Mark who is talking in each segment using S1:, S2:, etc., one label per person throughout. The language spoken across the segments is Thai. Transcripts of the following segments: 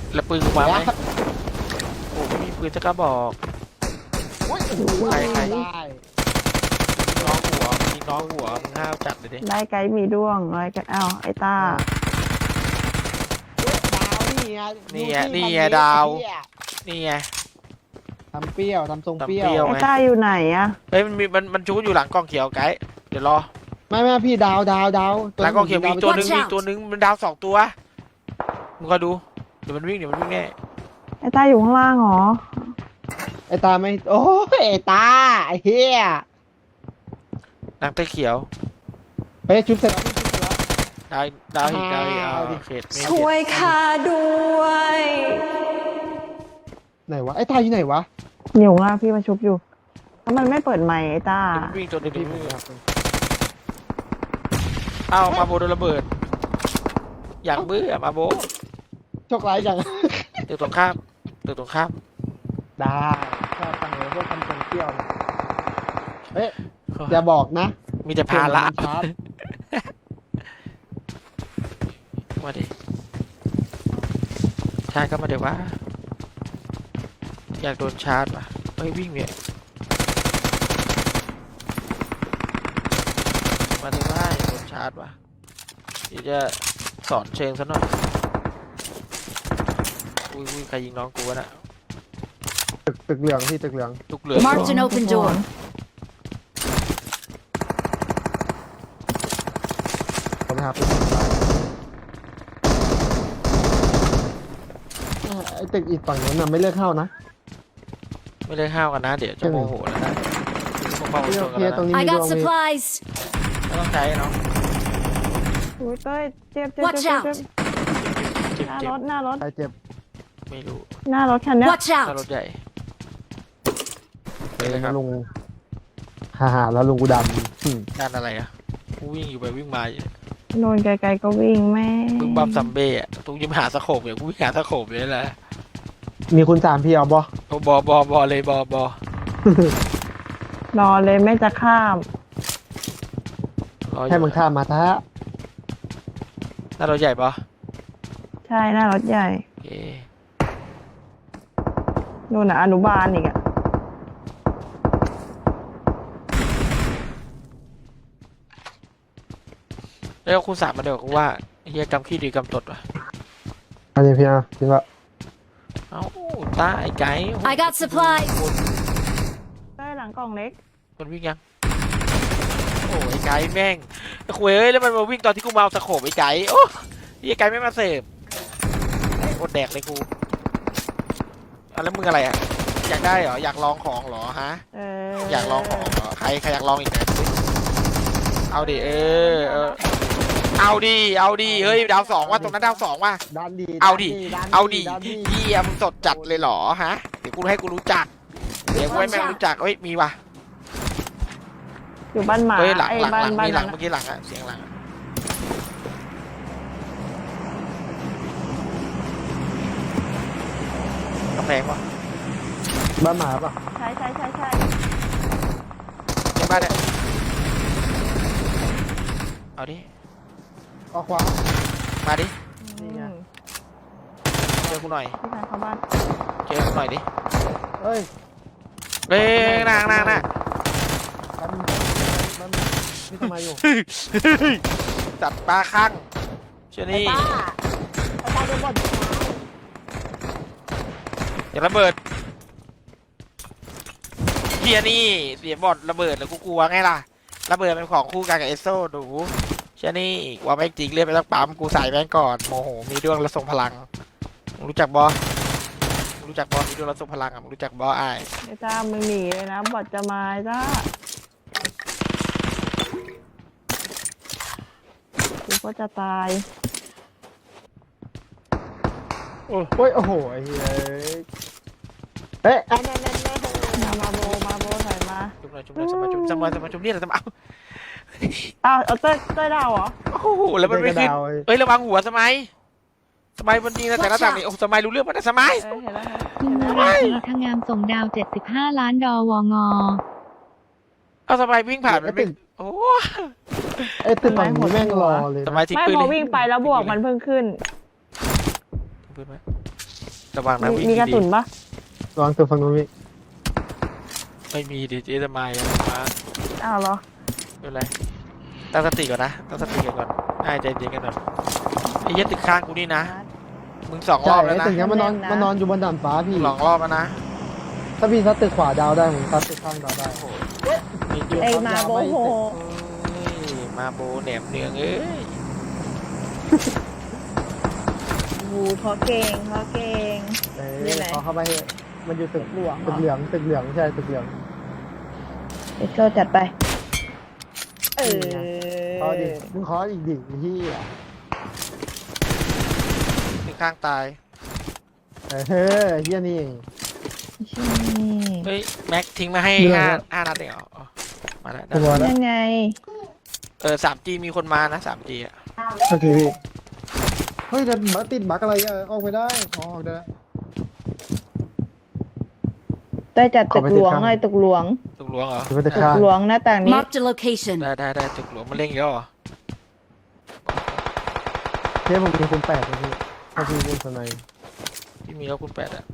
S1: แล้วปืนกูมาไหมโอ้ไม่มีปืนจะกระบอกใครน้องหัวมีน้องหัวมึงห้าวจัดเลยดิ
S2: ได้ไกด์มีด้วงอะไรกันอ้าวไอ้ตา
S1: นี่ไงดาวนี่ไง
S3: ทำเปรี้ยวทำทรงเปรี้ยว
S2: ไอ้ตาอยู่ไหนอะ
S1: เฮ้ยมันชูอยู่หลังกล้องเขียวไกด์เดี๋ยวรอ
S3: ไม่พี่ดาว
S1: หลังกล้องเขียวมีตัวนึงมันดาว2 ตัวมึงก็ดูเดี๋ยวมันวิ่งแน่
S2: ไอ้ตาอยู่ข้างล่างเหรอ
S3: ไอ้ตาไม่โอ้ยไอ้ตาไอ้เหี้ย
S1: หลังใต้เขียว
S3: เฮ้ยชุบเสร็จแล้ว
S1: ดาวอีกเขต
S2: ช่วยข้าด้วย
S3: ไหนวะไอ้ตาอยู่ไหนวะ
S2: อยู่ข้างล่างพี่มาชุบอยู่แล้วมันไม่เปิดไมค์ไอ้ตา
S1: วิ่งตัวนึงเอ้ามาโบโดนระเบิดอย่างเบื่อมาโบ
S3: โชคร้ายจัง
S1: ตึกตรงข้าม
S3: ได้ชอบฟังเลยพวกทำทรงเปรี้ยวเฮ้ยอย่าบอกนะ
S1: มีแต่พาละมาดิชาร์จก็มาเดี๋ยวว่าอยากโดนชาร์จป่ะเฮ้ยวิ่งเนี่ยมาถึงว่าอยากโดนชาร์จป่ะเดี๋ยวจะสอนเชิงซะหน่อยอุ้ยใครยิงน้องกูวะน่ะ
S3: ตึกเหลืองพี่ตึกเหลือง
S4: Marked an open door
S3: ผมนะครับไอ้ตึกอีกฝั่งนู้นน่ะไม่เลิกเข้านะ
S1: ไม่ได้ห้าวกันนะเดี๋ยวจะโมโหแล้วนะ
S3: ตรงนี้
S4: I got supplies
S1: ไม่ต้องใช้เนาะ
S2: อุ้ยเต้ยเจ็บหน้ารถ
S3: ใครเจ็บ
S1: ไม่รู้
S2: หน้ารถคันนี้
S4: Watch
S1: ถ้ารถ
S4: out
S1: ใหญ่
S3: ลุงฮ่าแล้วลุงกูดำ
S1: ด้านอะไรอ่ะกูวิ่งอยู่ไปวิ่งมา
S2: โดนไกลๆก็วิ่งแม่
S1: มึงบัมซัมเบ้อะตุ้งยิ้มหาสะโขบอย่างกูวิ่งหาสะโขบเลยแหละ
S3: มีคุณ3พี่เอาบ
S1: อเลยบอ
S2: รอเลยไม่จะข้าม
S3: ให้มึงข้ามมาท้า
S1: หน้ารถใหญ่ปะ
S2: ใช่หน้ารถใหญ่
S1: โอเค
S2: นู่นน่ะอนุบาลอีกอะ
S1: แล้วคุณ3มาเดี๋ยวกูว่าเฮียกำขี้ดีกำตดว่ะ
S3: อันนี้พี่นะจริงปะ
S1: เอ้าตาไอ้ไก่
S4: I got supplies
S2: ใต้หลังกล่องเล็ก
S1: มันวิ่งยังโอ้ไอ้ไก่แม่งคุยเอ้ยแล้วมันมาวิ่งตอนที่กูมาเอาสะโขบไอ้ไก่โอ้ไอ้ไก่ไม่มาเสพอดแดกเลยกูแล้วมึงอะไรอ่ะอยากได้เหรออยากลองของเหรอฮะอยากลองของเหรอใครอยากลองอีกไหมเอาดิเอาดิเฮ้ยดาว2ว่ะตรงนั้นดาว2ว่ะเอาดิเยี่ยมสดจัดเลยเหรอฮะเดี๋ยวกูให้กูรู้จักเดี๋ยวกูให้แม่งรู้จักเฮ้ยมีว่ะ
S2: อยู่บ้านหมา
S1: เฮ้ยหลังมีหลังเมื่อกี้หลังอะเสียงหลังกระแพงวะ
S3: บ้านหมาปะ
S2: ใช่
S1: ในบ้านเนี่ยเอาดิ
S3: ออกขวา
S1: มาดิ
S3: นี่ไง
S1: เจอกูหน่อย
S2: พี่ชายเข้าบ้าน
S1: เจอกูหน่อยดิ
S3: เฮ้ย
S1: นาง
S3: มันนี่ทำไมอยู่
S1: จัดปลาข้างเชื่อนี่อย่าระเบิดเฮียนี่เสียบอดระเบิดแล้วกูกลัวไงล่ะระเบิดเป็นของคู่กันกับเอสโซดูเชื่อนี่ว่าแม่งจริงเรียกไปตั้งปั๊มกูใส่แม่งก่อนโมโหมีดวงและทรงพลังรู้จักบอมีดวงและทรงพลังอ่ะรู้จักบอไอ้
S2: จ้ามึงหนีเลยนะบอดจะมาจ้ากูก็จะตาย
S3: โอ้ยโอ้โหไอ้เฮ้ยเอ๊ะ
S2: มาโบถ่ายมา
S1: จุ่มนี่แหละ
S2: เอาเต้ยดาวเหรอ
S1: โอ้โหแล้วมันไม่ขึ้นเอ้ยระวังหัวสมัยมันดีนะแต่ละต่างนี่โอ้สมัยรู้เรื่องมันนะสมัย
S4: คุณนราพงามส่งดาว75 ล้านดอวง
S1: เอาสมัยวิ่งผ่านมันไม่โอ้
S3: ไอ้ตึกมันแม่งรอเลย
S1: สมัยที่
S2: ไม่พอวิ่งไปแล้วบวกมันเพิ่งขึ้น
S1: ปืนไหมระวังนะวิ่ง
S2: มีกระ
S1: ดี
S2: สุนปะ
S3: ระวังตัวฝั่งนู้นพี่
S1: ๆไม่มีดิเจ๊จะมาอย่างมา
S2: อ้าวเหรอ
S1: ไม่เป็นไรตั้งสติก่อนนะตั้งสติกันก่อนให้ใจเย็นกันหน่อยไอ้เหี้ยตึกข้างกูนี่นะมึง2 ร
S3: ใช่
S1: อบแล้ว
S3: ไอ้
S1: นะ
S3: ตึกเนี้ยมันนอนอยู่บนด่านฟ้าพี่
S1: 2 รอบแล้วนะ
S3: ถ้าพี่ซัดตึกขวาดาวได้ผมซัดตึกข้างดาวได้
S1: มีจุด
S2: ไอ้มาโบโห
S1: เอ้ยมาโบแหนมเนืองเอ้ย
S2: หูเขาเก่งเขาเก่ง
S3: เอ้
S2: นี่
S3: ย
S2: แหละ
S3: เขาเข้าไปเถอะมันอยู่ตึก
S2: หลวง
S3: ตึกเหลืองตึกเหลืองใช่ตึกเหลือง
S2: เอสโซจัดไป เออ
S3: ขอดิมึงขออีกดิพี่
S1: ตึกข้างตาย
S3: เฮียนี่
S1: เฮ้ยแม็กทิ้งมาให้
S3: มีอะไร
S1: ห้านัดเองเหรออ๋อมาแล้วได้
S3: ตัวแล้ว
S2: ยังไง
S1: 3G มีคนมานะ 3G อ่ะ
S3: โอเคพี่เฮ้ยแต่บักติดบักอะไรอะออกไม่ได้ออกได้
S2: ได้จัดตึกหลวง
S3: ขอไปติดข้าง
S2: เลยตึกหลวง
S1: ตึกหลวงเหรอ
S3: ถือว่าจะ
S2: ตึก
S3: ฆ่า
S2: หลวงหน้าต่างนี้
S5: Marked a location.
S1: ได้ตึกหลวงมันเล่งเยอะเหรอ
S3: เทียบผมมีคุณ8เลยพี่ถ้าพี่เป็นสไนด์
S1: พี่มีแล้วคุณ8อ่ะ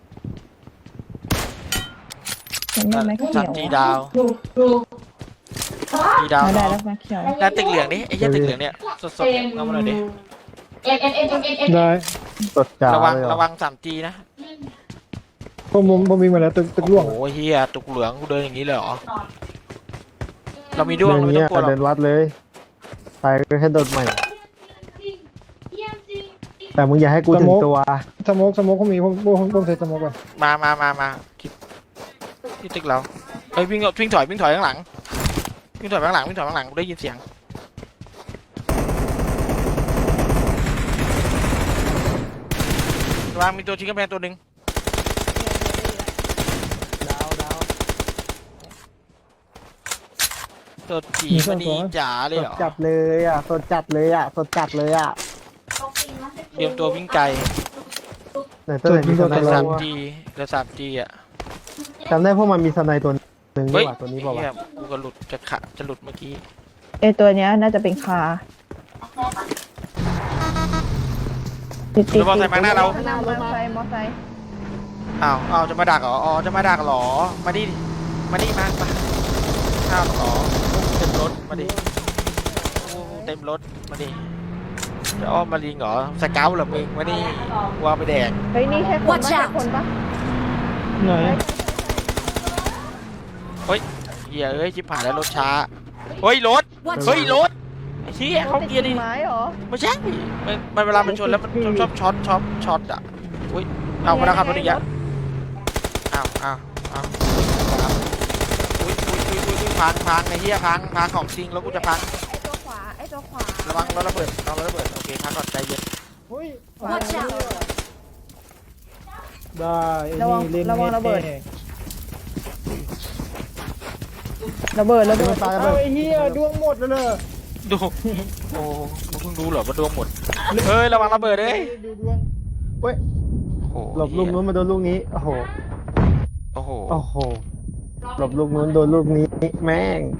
S2: ฉันได้ไหมเขียว
S1: 3G ดาว G ดาว
S2: ไม่ได้
S1: เนาะ
S2: แล้วไหมเขียว
S1: แล้วตึกเหลืองนี่ไอ้เหี้ยตึกเหลืองเนี่ยสดๆเนี่ยเอามาหน่อยดิ
S3: ได้ตดจ่า
S1: ระวัง
S3: เลยเหรอ
S1: ระวัง 3G นะ
S3: ผมมีมาแล้วตึกล่วง
S1: โอ้โหเฮียตึกเหลืองกูเดินอย่างนี้เลยเหรอเรามีด้วงเราไม่
S3: เนี้
S1: ต้องกลัวหรอ
S3: เดิ
S1: ก
S3: นวัดเลยตายก็แค่โดดใหม่ แต่มึงอย่าให้กูถึงตัว
S6: สโมกผมมีผมใส่สโมกก่อน
S1: มาคิดที่ตึกเราเฮ้ยวิ่งถอยข้างหลังวิ่งถอยข้างหลังกูได้ยินเสียงระวังมีตัวชิงกำแพงตัวหนึ่ง
S3: ดาว
S1: ตัวจีมันนี่จ๋าเลย
S3: ส
S1: เห
S3: ด
S1: รอ
S3: จัดเลยอ่ะสดจัดเลยอ่ะสดจัดเลยอ่ะ
S1: เตรียมตัววิ่งไกล
S3: ไหนตัวไหนมีสไน
S1: เหลือ
S3: ด์
S1: 3G เหลือ 3G อ่ะ
S3: จำได้พวกมันมีสไนด์ตัวหนึ่งนี่
S1: เฮ้ย
S3: หว่าตัวนี้บอก
S1: เหี้ย
S3: ว่า
S1: กูก็หลุดจะหลุดเมื่อกี้
S2: ไอตัวเนี้ยน่าจะเป็นคาติด
S1: รถมอเตอร์ไซค์มาหน้าเรา
S2: มอเตอร์ไซค์มอเตอร์ไซค์
S1: อ้าวจะมาดักเหรออ๋อจะมาดักเหรอมาดิมาอ้าวเหรอเต็มรถมาดิโอ้เต็มรถมาดิจะอ้อมมาลิงเหรอสเกลเหรอมึงมาดิวางไปแดก
S2: เฮ้ยนี่ใช่คนปะ
S5: Watch
S2: ใช่
S5: out
S2: คนปะ
S6: ไหน
S1: เฮียเอ้ยชิบหายแล้วรถช้าเฮ้ยรถ
S5: Watch
S1: เฮ้ย
S5: out.
S1: รถไอ้เฮียเขาเกียร์ดิ
S2: ติดไม้เหรอ
S1: ไม่ใช่มันเวลามันชนแล้วมันชอบช็อตอ่ะอุ้ยเอามาแล้วครับรถอีกแล้วอ้าวอุ้ยพังไอ้เฮียพังของจริงแล้วกูจะพัง
S2: ไอตัวขวา
S1: ระวังรถระเบิดโอเคพักก่อนใจเย็น
S3: เฮ้ย
S5: Watch out.
S6: ได้ไอ้
S2: ระวัง
S6: นี่เล่น
S2: ระวังระเบิด
S6: แน่
S2: ระเบิด
S3: ตาย
S6: เอา
S3: เลย
S6: ไอ้เหี้ยดวงหมดแล้วเลย
S1: ดูโอ้มึงเพิ่งรู้เหรอว่าดวงหมดเฮ้ยระวังระเบิดเลย
S6: ดูดวง
S3: เฮ้ย
S1: โอ้โห
S3: หลบลูกนู้นมาโดนลูกนี้โอ้โห
S1: โอ้โห
S3: โอ้โหหลบลูกนู้นโดนลูกนี้แม่ง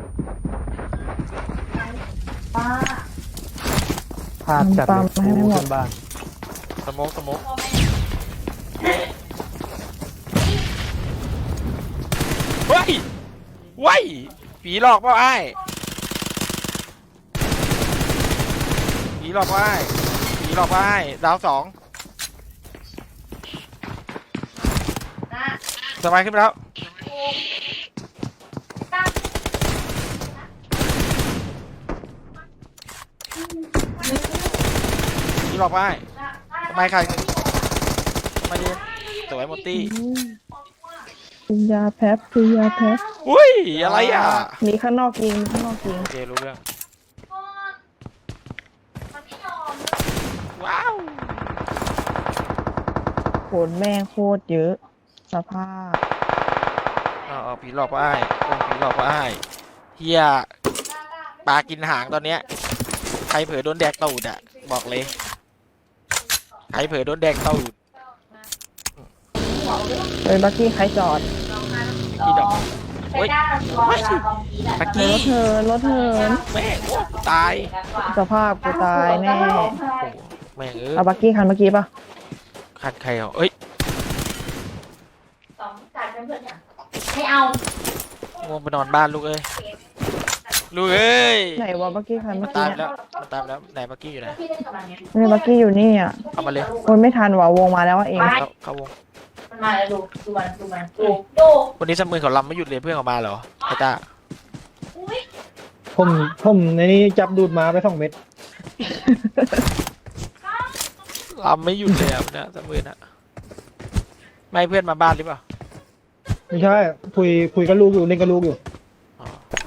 S3: พลาดจัดเลยกูขึ้นบ้าน
S1: สโมกเฮ้ยผีหลอกเปล่าไอ้ผีหลอกเปล่าไอ้ดาว2สบายขึ้นไปแล้วผีหลอกเปล่าไอ้ทำไมใครทำไมดีสวยหมดตี้
S2: คือยาแพ็คือยาแพ็
S1: อุ้ยอะไรอ่ะ
S2: มีข้างนอกยิง
S1: โอเครู้เรื่องว้าว
S2: โหนแม่งโคตรเยอะสภาพ
S1: ผีหลอกว่าผีหลอกว่าเฮียปลากินหางตอนเนี้ยใครเผลอโดนแดกตูดอ่ะบอกเลยใครเผลอโดนแดกตูด
S2: เลยบักกี้ใครจอด
S1: พี่ดอกเฮ้ยไม่ปักกี้
S2: รถเหิน
S1: แม่งตาย
S2: สภาพกูตายแน่
S1: โอ้แม่ง
S2: เอาบักกี้คันเมื่อกี้ปะ
S1: คันใครอ่ะเอ้ย
S5: ไม่เอา
S1: ง่วงไปนอนบ้านลูกเอ้ยลูกเอ้ย
S2: ไหนวะบักกี้คันเมื่อ
S1: ตา
S2: กี้
S1: ย
S2: เนี่ย
S1: แล้วมันตายแล้วไหนเมื่อกี้อยู่ไหน
S5: พี่เล่นกับมันไง
S2: นี่บักกี้อยู่นี่อ่ะ
S1: เอามาเลย
S2: โอ้ยไม่ทันว่ะวงมาแล้วอะเอง
S1: เข้าวง
S5: มันมาแล้วดูมันดู
S1: วันนี้สมือเขาลำไม่หยุดเลยเพื่อนออกมาเหรอไอ้ตา
S5: อุ้ย
S6: ผมในนี้จับดูดมาไป2 เม็ด
S1: ลำไม่หยุดเลยอ่ะเนี่ยสมือน่ะไม่ให้เพื่อนมาบ้านหรือเปล่า
S6: ไม่ใช่คุยกับลูกอยู่เล่นกับลูกอยู่
S1: อ๋อ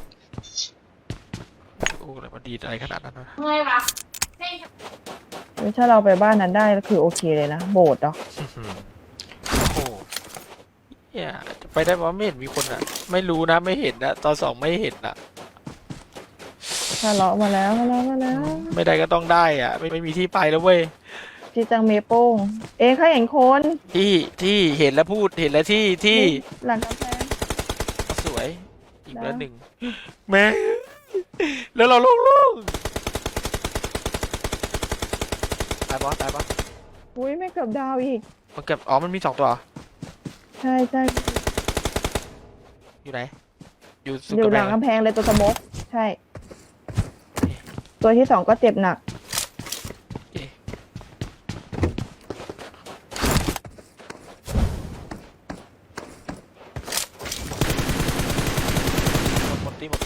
S1: โอ้อะไรมาดีอะไรขนาดนั้นวะ
S5: เมื่อยวะ
S2: ถ้าเราไปบ้านนั้นได้ก็คือโอเคเลยนะโบสถ์เนาะ
S1: โอ้โหเนี่ยจะไปได้เพราะไม่เห็นมีคนอ่ะ ไม่รู้นะไม่เห็นนะตอน2ไม่เห็นอ่ะ
S2: ถ้าเลาะมาแล้วมาแล้ว
S1: ไม่ได้ก็ต้องได้อ่ะ ไม่มีที่ไปแล้วเว้ย
S2: จีจังเมโป้งเองเขาเห็นคน
S1: ที่เห็นแล้วพูดเห็นแล้วที่
S2: หลังกำแพง
S1: สวยอีกแล้ว
S2: นะ
S1: หนึ่งแม่แล้วเราลงตายปะตายปะ
S2: อุ้ยไม่เกือบดาวอีก
S1: มันเก็บอ๋อมันมี2ตัวเหรอ
S2: ใช่ใช่
S1: อยู่ไหนอยู่สุด
S2: อยู่
S1: กำ
S2: ห
S1: แพ
S2: ลั
S1: ง
S2: งกำแพงเลยตัวสมกใช่ ตัวที่ 2ก็เจ็บหนัก
S1: หมดที่
S2: หมดตี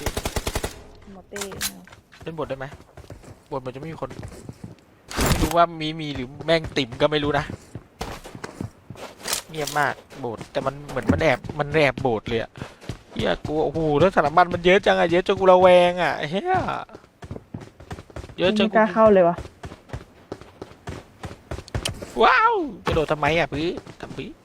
S1: เล่นบทได้ไหมบทมันจะไม่มีคนไม่รู้ว่ามีหรือแม่งติ่มก็ไม่รู้นะเงียบมากโบสถ์แต่มันเหมือนมันแอบโบสถ์เลยอะเฮียกูโอ้โหแล้วสารบัญมันเยอะจังอะเยอะจนกูระแวงอะเฮียเยอะจน
S2: ไม่กล้าเข้าเลยวะ
S1: ว้าวกระโดดทำไมอะพี่ทำพี่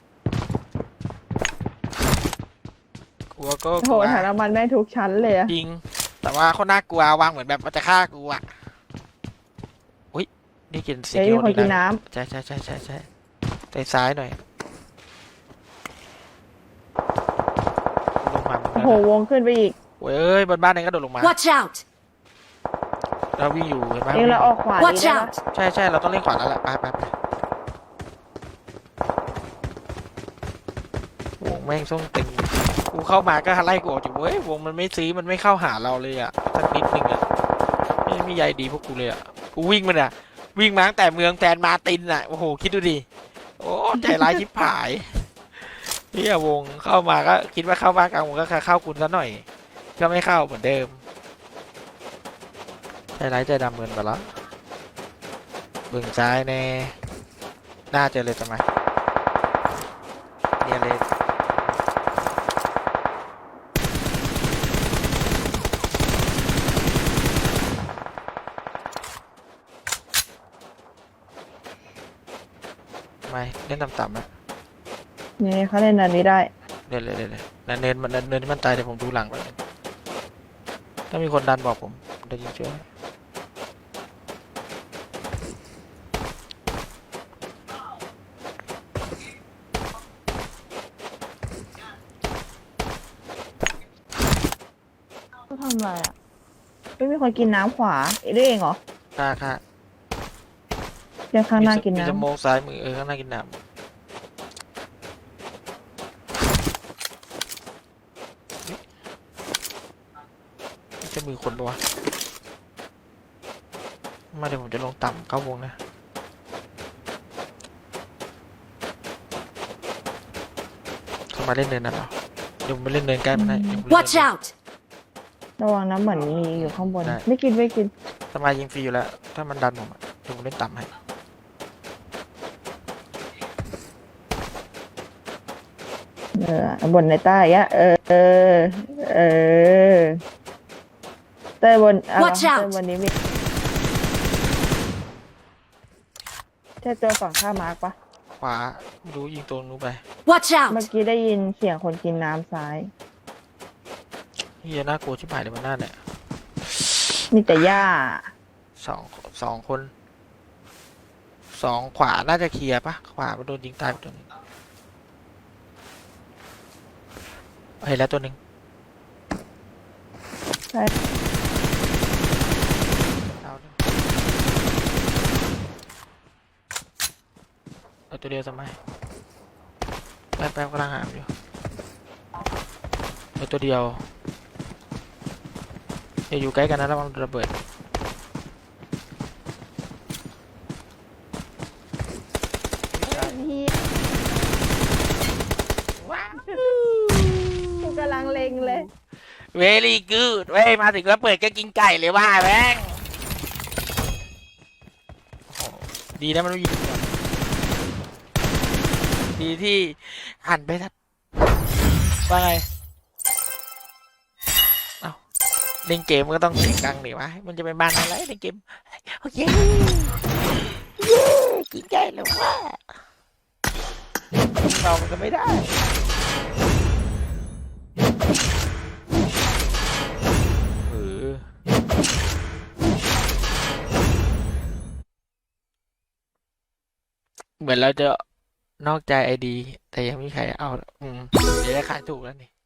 S1: กลัวก็
S2: โอ้
S1: ก
S2: โห
S1: ลัว
S2: ฐานน้ำมันได้ทุกชั้นเลยอะ
S1: จริง แต่ว่าเขาน่ากลัววางเหมือนแบบมันจะฆ่ากูอะอุ้ยนี่กินเสีย
S2: เดี๋ยว
S1: ง
S2: มีคนกินน้
S1: ใช่ไปซ้ายหน่อยลงมาเหมือน
S2: ำ
S1: กั
S2: โอ้
S1: น
S2: โหวงขึ้นไปอีก
S1: โอ้ยเอ้ยบนบ้านเองก็โดดลงมา
S5: Watch out
S1: เราวิ่งอยู่เห็นไหม
S2: เองเราออกขวาดี
S5: Watch
S2: ได้ปะ
S5: out
S1: ใช่เราต้องเล่นขวาแล้วแหละไปวงแม่งส่งเต็มกูเข้ามาก็ไล่กูออกจากเว้ยวงมันไม่ซื้อมันไม่เข้าหาเราเลยอะสักนิดนึงอะไม่มีใยดีพวกกูเลยอะกูวิ่งมันอะวิ่งมาตั้งแต่เมืองแฟนมาตินอะโอ้โหคิดดูดิโอ้ใจร้ายชิบหายเนี่ยวงเข้ามาก็คิดว่าเข้าบ้านกลางวงก็เข้าคุณซะหน่อยก็ไม่เข้าเหมือนเดิมใจร้ายใจดำเงินไปแล้วเบื้องซ้ายแน่น่าเจอเลยทำไมเนี่ยเลยไม่เล่นต่ำๆนะ
S2: นี่เขาเล่นอันนี้ได้
S1: เล่นนั่นเนินที่มันตายเดี๋ยวผมดูหลังไปถ้ามีคนดันบอกผมจะยิงช่วย
S2: เขาทำอะไรอ่ะไม่มีคนกินน้ำขวาเอ้ยด้วยเองเหรอ
S1: ค่ะ
S2: เดี๋ยวข้างหน้ากิน
S1: มี
S2: น้ำ
S1: สโมองซ้ายมือข้างหน้ากินน้ำจะมือคนปะวะมาเดี๋ยวผมจะลงต่ำเข้าวงนะเข้ามาเล่นเนินนั่นเหรอเดี๋ยวผมไปเล่นเนินใกล้มันให้เดี๋ยวผมเล่น
S5: Watch
S1: เนิน
S5: out
S2: ระวังน้ำเหมือนมีอยู่ข้างบน
S1: ได้
S2: ไม่กิน
S1: สมายยิงฟรีอยู่แล้ว ถ้ามันดันผมอะเดี๋ยวผมเล่นต่ำให้
S2: บนในใต้อะเต้ยบนอะไรวะ
S5: Watch out
S2: เต้ยบนนี้มีใช่ตัวฝั่งข้ามมาร์กปะ
S1: ขวาไม่รู้ยิงตัวนู้นไป
S5: Watch
S2: เมื่อ
S5: out
S2: กี้ได้ยินเสียงคนกินน้ำซ้าย
S1: เฮียน่ากลัวชิบหายเลยมันน่าเนี่ย
S2: มีแต่หญ้า
S1: สองคนขวาน่าจะเคลียร์ปะขวามันโดนยิงตายไปตัวหนึงเห็นแล้วตัวหนึ่ง
S2: ใช่
S1: เอาหนึ่งเอาตัวเดียวสมัยแป๊บกำลังหามอยู่เหลือตัวเดียวอย่าอยู่ใกล้กันนะระวังระเบิด
S2: กูกำลังเล็งเลย
S1: เวลี่กูดเว้ยมาถึงแล้วเปิดก็กินไก่เลยว่าแม่งโอ้โหดีนะมันไม่ยิงก่อนดีที่หันไปทัดว่าไงเอ้าเล่นเกมมันก็ต้องเสียงดังดิวะมันจะเป็นบ้านอะไรเล่นเกมโอเคเย้กินไก่แล้วว่าเรามันก็ไม่ได้เหมือนเราจะนอกใจไอดีแต่ยังไม่มีใครเอาเดี๋ยวได้ขายถูกแล้วนี่